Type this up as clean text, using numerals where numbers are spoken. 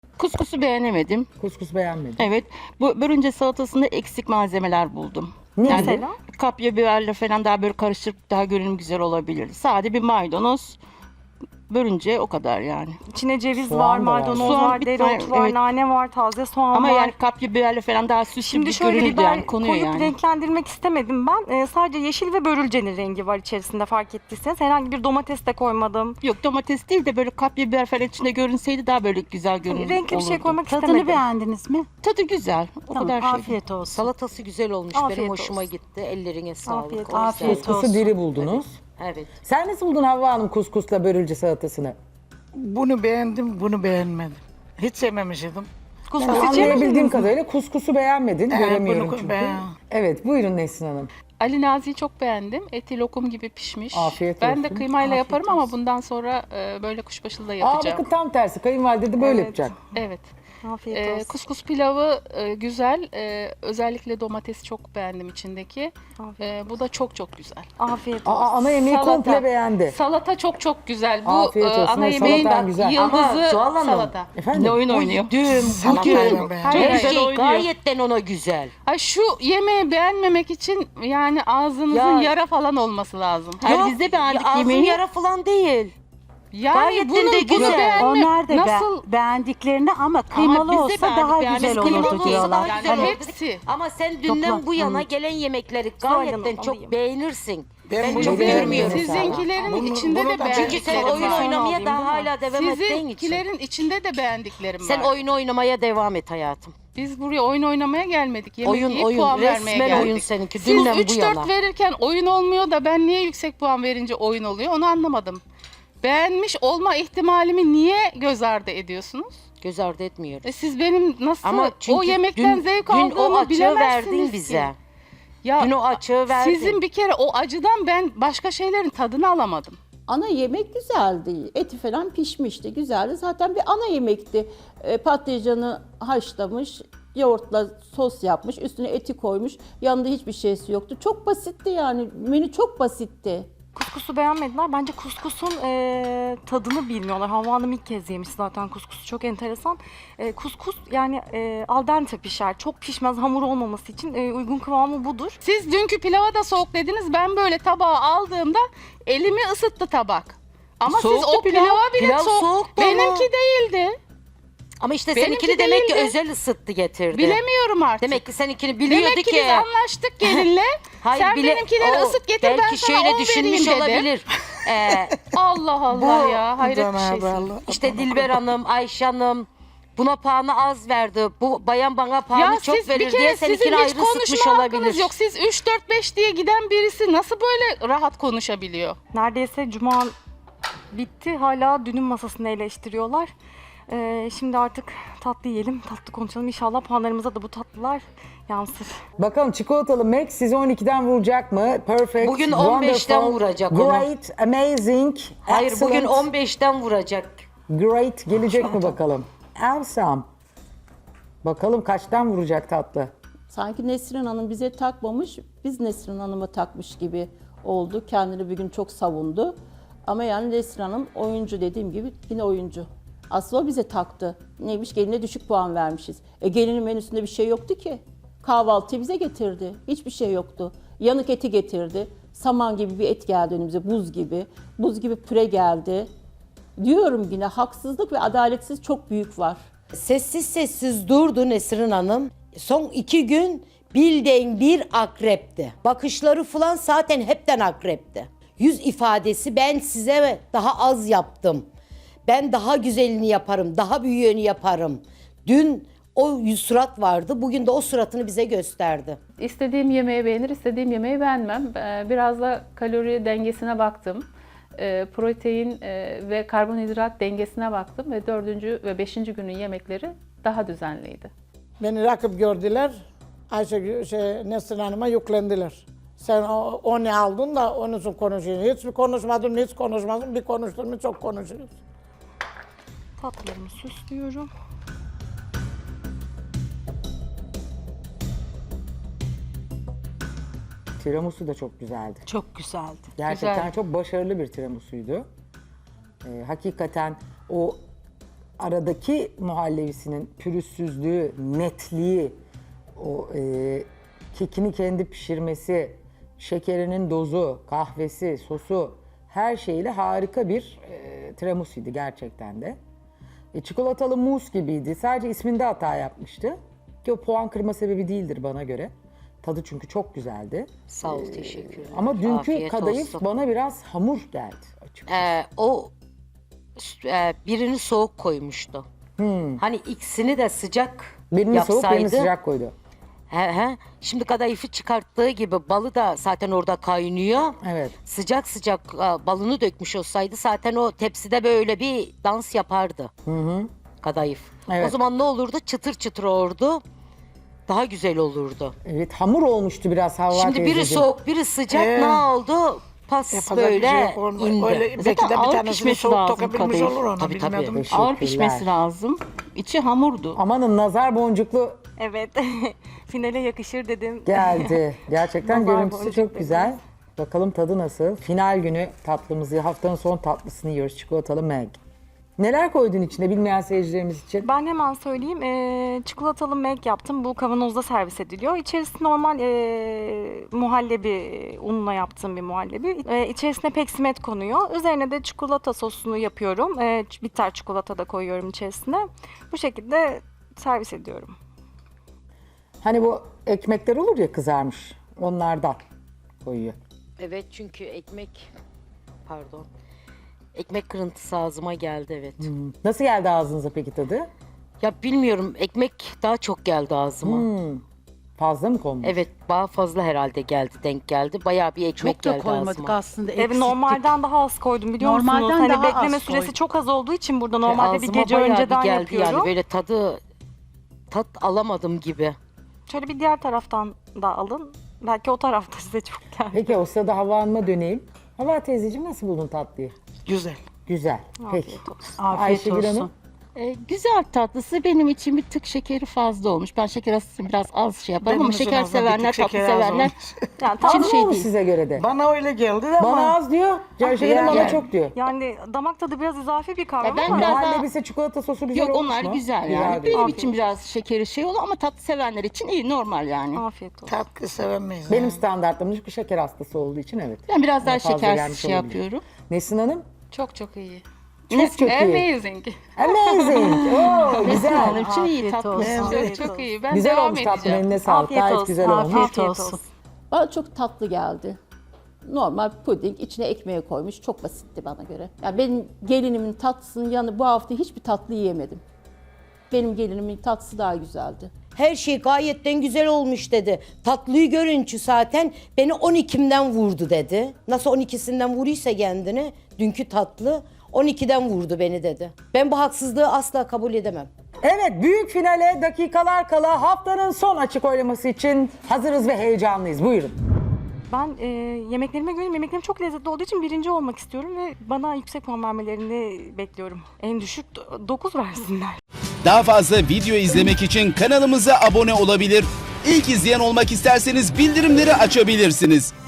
Kuskusu beğenemedim. Kuskus beğenmedim. Evet. Bu börünce salatasında eksik malzemeler buldum. Ne Yani mesela? kapya biberle falan daha böyle karıştırıp daha görünüm güzel olabilir. Sade bir maydanoz, börünce o kadar yani. İçine ceviz Soğan var, da var. maydanoz Soğan var, bir dereotu tane, var, evet. nane var, taze soğan Ama var. yani kapya biberle falan daha süslü Şimdi bir şöyle görünürdü biber yani konuyor koyup yani. renklendirmek istemedim ben. Sadece yeşil ve börülcenin rengi var içerisinde fark ettiyseniz. Herhangi bir domates de koymadım. Yok domates değil de böyle kapya biber falan içinde görünseydi daha böyle güzel görünür Renkli bir şey olurdu. koymak Tadını istemedim. beğendiniz mi? Tadı güzel. O Tamam, kadar şey. afiyet olsun. Salatası güzel olmuş. Afiyet Benim hoşuma olsun. gitti. Ellerine sağlık. Afiyet O yüzden- Afiyet Kuskusu olsun. diri buldunuz. Evet. Sen nasıl buldun Havva Hanım kuskusla börülce salatasını? Bunu beğendim, bunu beğenmedim. Hiç yememiştim. Kuskus Ben hiç anlayabildiğim yemediniz mi? kadarıyla kuskusu beğenmedin. Göremiyorum bunu çünkü. beğen- Evet buyurun Nesrin Hanım. Ali Nazi'yi çok beğendim. Eti lokum gibi pişmiş. Afiyet Ben de olsun. kıymayla Afiyet yaparım ama olsun. bundan sonra böyle kuşbaşılı da Aa yapacağım. bakın tam tersi kayınvalide de böyle Evet. yapacak. Evet. Afiyet olsun. Kuskus pilavı güzel. Özellikle domatesi çok beğendim içindeki. Afiyet, Bu da çok çok güzel. afiyet olsun. Aa ana yemeği Salata. komple beğendi. Çok çok güzel. Bu Afiyet olsun. ana Evet, yemeğin salatan güzel. yıldızı Ama Zuhal Hanım, salata. Efendim? Ne oyun oynuyor? Dün, Salatayla bugün beğendim. Hayır, her hayır, şey oynuyor. gayetten ona güzel. Ay şu yemeği beğenmemek için yani ağzınızın Ya- yara falan olması lazım. Hayır, biz de beğendik ağzın yemeği. yara falan değil. Yani Gayetten bunu, de bunu güzel. beğenme Onlar da nasıl beğendiklerini ama kıymalı biz de olsa beğendik, daha beğendik. güzel Kıymalı olurdu olsa diyorlar. daha yani güzel olurdu. hepsi. Ama sen dünden Toplam, bu yana evet. gelen yemekleri Zuhal gayetten Hanım, çok alayım. beğenirsin. Ben Ben bunu çok beğenmiyorum. görmüyorum. Sizinkilerin Bunu- içinde bunu de da- Çünkü beğendiklerim sen oyun Sonra var. oynamaya alayım, daha değil mi? hala devam ettiğin için. Sizinkilerin içinde de beğendiklerim Sen var. oyun oynamaya devam et hayatım. Biz buraya oyun oynamaya gelmedik. Yemek Oyun, yiyip oyun. puan vermeye Resmen geldik. oyun seninki. Siz Dünden bu 3-4 yana. verirken oyun olmuyor da ben niye yüksek puan verince oyun oluyor onu anlamadım. Beğenmiş olma ihtimalimi niye göz ardı ediyorsunuz? Göz ardı etmiyoruz. Siz benim nasıl Ama çünkü o yemekten zevk dün aldığımı o açığı bilemezsiniz verdin ki. bize. Ya Dün o açığı verdin. sizin bir kere o acıdan ben başka şeylerin tadını alamadım. Ana yemek güzeldi. Eti falan pişmişti. Güzeldi. Zaten bir ana yemekti. Patlıcanı haşlamış, yoğurtla sos yapmış, üstüne eti koymuş. Yanında hiçbir şeysi yoktu. Çok basitti yani. Menü çok basitti. Kuskusu beğenmediler. Bence kuskusun tadını bilmiyorlar. Havva Hanım ilk kez yemiş zaten kuskusu. Çok enteresan. Kuskus yani al dente pişer. Çok pişmez hamur olmaması için uygun kıvamı budur. Siz dünkü pilava da soğuk dediniz. Ben böyle tabağı aldığımda elimi ısıttı tabak. Ama siz Soğuktu o pilav. pilava bile Pilav soğuk. soğuktu ama. Benimki değildi. Ama işte Benimki seninkini demek ki değildi. özel ısıttı getirdi. Bilemiyorum artık. Demek ki seninkini biliyordu Demek ki ki. biz anlaştık gelinle. Hayır, Sen bile- benimkileri o ısıt getir ben belki sana şöyle 10 düşünmüş vereyim dedi. olabilir. Allah Allah ya hayret bir Cenab-ı şeysin. Allah. İşte Dilber Hanım, Ayşe Hanım buna puanı az verdi. Bu bayan bana puanı Ya çok siz bir verir diye kere sizin seninkini hiç ayrı ısıtmış konuşma olabilir. hakkınız yok. Siz 3-4-5 diye giden birisi nasıl böyle rahat konuşabiliyor? Neredeyse cuma bitti. Hala dünün masasını eleştiriyorlar. Şimdi artık tatlı yiyelim, tatlı konuşalım. İnşallah puanlarımıza da bu tatlılar yansır. Bakalım çikolatalı Mac sizi 12'den vuracak mı? Perfect, Bugün 15'ten wonderful, vuracak onu. Great, amazing, Hayır bugün excellent, 15'ten vuracak. great gelecek mi bakalım? Awesome. Bakalım kaçtan vuracak tatlı? Sanki Nesrin Hanım bize takmamış, biz Nesrin Hanım'a takmış gibi oldu. Kendini bir gün çok savundu. Ama yani Nesrin Hanım oyuncu, dediğim gibi yine oyuncu. Aslında o bize taktı. Neymiş, geline düşük puan vermişiz. Gelinin menüsünde bir şey yoktu ki. Kahvaltıyı bize getirdi. Hiçbir şey yoktu. Yanık eti getirdi. Saman gibi bir et geldi önümüze, buz gibi. Buz gibi püre geldi. Diyorum yine haksızlık ve adaletsiz çok büyük var. Sessiz sessiz durdu Nesrin Hanım. Son 2 gün bildiğin bir akrepti. Bakışları falan zaten hepten akrepti. Yüz ifadesi ben size daha az yaptım. Ben daha güzelini yaparım, daha büyüğünü yaparım. Dün o yüz surat vardı, bugün de o suratını bize gösterdi. İstediğim yemeği beğenir, istediğim yemeği beğenmem. Biraz da kalori dengesine baktım. Protein ve karbonhidrat dengesine baktım ve 4. ve 5. günün yemekleri daha düzenliydi. Beni rakip gördüler. Nesrin Hanım'a yüklendiler. Sen o ne aldın da onun için konuşuyorsun. Hiç mi konuşmadın, hiç konuşmadın. Bir konuştun mu çok konuşuyorsun. Tatlılarımı süslüyorum. Tiramisu da çok güzeldi. Çok güzeldi. Gerçekten Güzel. çok başarılı bir tiramisu'ydu. Hakikaten o aradaki muhallevisinin pürüzsüzlüğü, netliği, o kekini kendi pişirmesi, şekerinin dozu, kahvesi, sosu her şeyle harika bir tiramisuydu gerçekten de. Çikolatalı muz gibiydi. Sadece isminde hata yapmıştı. Ki o puan kırma sebebi değildir bana göre. Tadı çünkü çok güzeldi. Sağ ol, teşekkür ederim. Ama dünkü Afiyet kadayıf olsun. bana biraz hamur geldi açıkçası. Birini soğuk koymuştu. Hani ikisini de sıcak Birini yapsaydı. soğuk, birini sıcak koydu. He. Şimdi kadayıfı çıkarttığı gibi balı da zaten orada kaynıyor. Evet. Sıcak sıcak balını dökmüş olsaydı zaten o tepside böyle bir dans yapardı. Kadayıf. Evet. O zaman ne olurdu? Çıtır çıtır olurdu. Daha güzel olurdu. Evet, hamur olmuştu biraz Havva Şimdi biri teyzeciğim. soğuk, biri sıcak. Ne oldu? Pas Yapacak bir şey böyle yok. indi. Öyle, belki Zaten de bir ağır tanesini pişmesi soğuk lazım tokabilmiş kadayıf. olur onu Tabii, tabii. bilmiyordum. Ağır Teşekkürler. pişmesi lazım. İçi hamurdu. Amanın nazar boncuklu Evet. Finale yakışır dedim. geldi. Gerçekten Nazar görüntüsü boncuk çok güzel. Bakalım tadı nasıl? Final günü tatlımızı, haftanın son tatlısını yiyoruz. Çikolatalı Meg. Neler koydun içine bilmeyen seyircilerimiz için? Ben hemen söyleyeyim. Çikolatalı Meg yaptım. Bu kavanozda servis ediliyor. İçerisinde normal muhallebi, unla yaptığım bir muhallebi. İçerisine peksimet konuyor. Üzerine de çikolata sosunu yapıyorum. Bitter çikolata da koyuyorum içerisine. Bu şekilde servis ediyorum. Hani bu ekmekler olur ya kızarmış. Onlardan koyuyor. Evet, çünkü ekmek kırıntısı ağzıma geldi, evet. Nasıl geldi ağzınıza peki tadı? Ya bilmiyorum, ekmek daha çok geldi ağzıma. Fazla mı konmuş? Evet, daha fazla herhalde denk geldi. Bayağı bir ekmek Çok da geldi koymadık ağzıma. aslında. Evet, eksiktik. normalden daha az koydum biliyor Normalden musunuz? Hani daha bekleme az süresi koydum. çok az olduğu için burada normalde bir Ağzıma gece bayağı bir önceden geldi yapıyorum. yani, böyle tat alamadım gibi. Şöyle bir diğer taraftan da alın. Belki o tarafta size çok geldi. Peki o sırada Havva Hanım'a döneyim. Havva teyzeciğim nasıl buldun tatlıyı? Güzel. Güzel. Peki. Afiyet olsun. Afiyet Ayşegül olsun. Hanım? Güzel tatlısı benim için bir tık şekeri fazla olmuş. Ben şeker hastası biraz az şey yaparım Benim ama için şeker aslında bir sevenler, tık tatlı şekeri az severler. olmuş. Yani Az tam mı şey olmuş değil. size göre de? Bana öyle geldi de ama. Bana az diyor. Ayşegül Hanım bana yani. çok diyor. yani damak tadı biraz izafi bir kavram Ben ama biraz daha- Muhallebisi çikolata sosu güzel Yok olmuş onlar mu? güzel yani. Güzel. Benim Afiyet için biraz şekeri şey olur ama tatlı sevenler için iyi, normal yani. afiyet olsun. Tatlı sevemeyiz. Benim yani. standartlarım çünkü şeker hastası olduğu için evet. Ben biraz daha Fazla şekersiz gelmiş şey olabilir. yapıyorum. Nesin Hanım? Çok çok iyi. Çok çok iyi. Amazing. Amazing. Oo, güzel. Benim için iyi Afiyet tatlı. olsun. Çok çok iyi. Ben Güzel devam olmuş tatlım, edeceğim. eline sağlık. Afiyet Gayet olsun. güzel olmuş. Afiyet olsun. Bana çok tatlı geldi. Normal puding, içine ekmeği koymuş. Çok basitti bana göre. Yani benim gelinimin tatlısının yanı bu hafta hiçbir tatlı yiyemedim. Benim gelinimin tatlısı daha güzeldi. Her şey gayetten güzel olmuş dedi. Tatlıyı görünce zaten beni 12'mden vurdu dedi. Nasıl 12'sinden vuruysa kendini dünkü tatlı 12'den vurdu beni dedi. Ben bu haksızlığı asla kabul edemem. Evet, büyük finale dakikalar kala haftanın son açık oylaması için hazırız ve heyecanlıyız. Buyurun. Ben yemeklerime göre yemeklerim çok lezzetli olduğu için birinci olmak istiyorum ve bana yüksek puan vermelerini bekliyorum. En düşük 9 versinler. Daha fazla video izlemek için kanalımıza abone olabilir. İlk izleyen olmak isterseniz bildirimleri açabilirsiniz.